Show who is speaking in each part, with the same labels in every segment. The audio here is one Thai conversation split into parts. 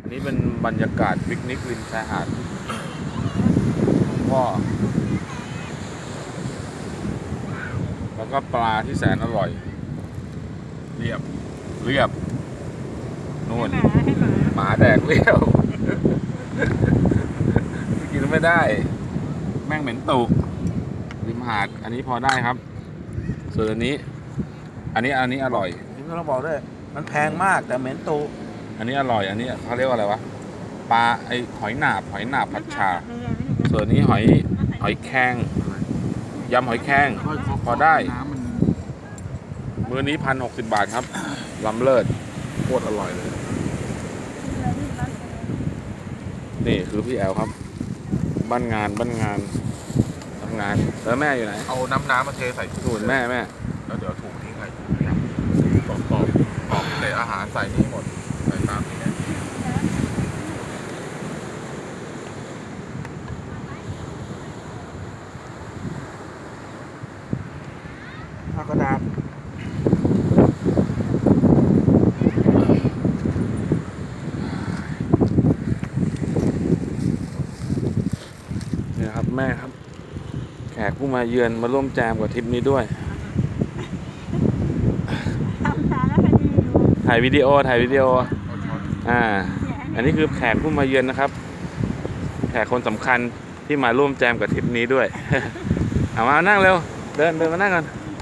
Speaker 1: นี่เป็นบรรยากาศปิกนิกริมชายหาดพ่อแล้วก็ปลาที่แสนอร่อยเรียบนู่นหมาแดกเรียว กินไม่ได้ แม่งเหม็นตุกริมหาดอันนี้พอได้ครับ ส่วนอันนี้อร่อย
Speaker 2: นี่ก็ต้องบอกด้วยมันแพงมากแต่เหม็นตู
Speaker 1: อันนี้อร่อยอันนี้เขาเรียกว่าอะไรวะปลาไอหอยหนาบผัดชา ส่วนนี้หอยแครงยำหอยแครงพอได้มื้อนี้1,060 บาทครับล้ำเลิศโคตรอร่อยเลยนี่คือพี่แอลครับบ้านงานทำงานแล้วแม่อยู่ไหน
Speaker 3: เอาน้ำมาเทใส่ถุง
Speaker 1: นู่นแม่
Speaker 3: แล้วเดี๋ยวถุงทิ้งไว้กรอบเศษอาหารใส่นี่หมดใส่ตามนี้นะ
Speaker 2: ผักกระดาษ
Speaker 1: เนี่ยครับแม่ครับแขกผู้มาเยือนมาร่วมแจมกับทริปนี้ด้วยถ่ายวิดีโออันนี้คือแขกผู้มาเยือนนะครับแขกคนสำคัญที่มาร่วมแจมกับทริปนี้ด้วย เอามานั่งเร็วเดินมานั่งกัน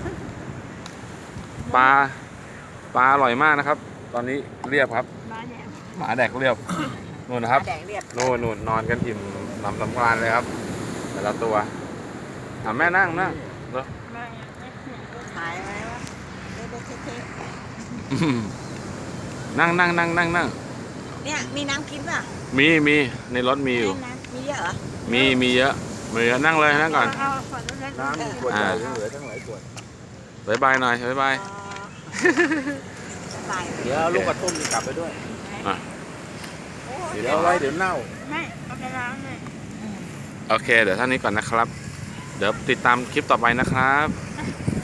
Speaker 1: ปลาอร่อยมากนะครับตอนนี้เรียบครับหมาแดกเรียบนู่นนะครับนู่นนอนกันอิ่มหนำสำราญเลยครับแต่ละตัวแม่นั่งเนาะ
Speaker 4: ถ่ายไว้ว่า
Speaker 1: นั่ง
Speaker 4: เนี่ยมีน้ำกินป่ะ
Speaker 1: มีในรถมีอยู่
Speaker 4: มีเยอะเหรอ
Speaker 1: มีเยอะนั่งเลยนั่งก่อน
Speaker 2: น้ำขวดใหญ่เหลือทั้งหลายขวด
Speaker 1: บายหน่อยบาย
Speaker 2: เดี๋ยวลูกกระตุ้มกลับไปด้วยเดี๋ยวไว้เดี๋ยวเน่า
Speaker 4: ไม่เอาไปล้างเลย
Speaker 1: โอเคเดี๋ยวเท่านี้ก่อนนะครับเดี๋ยวติดตามคลิปต่อไปนะครับ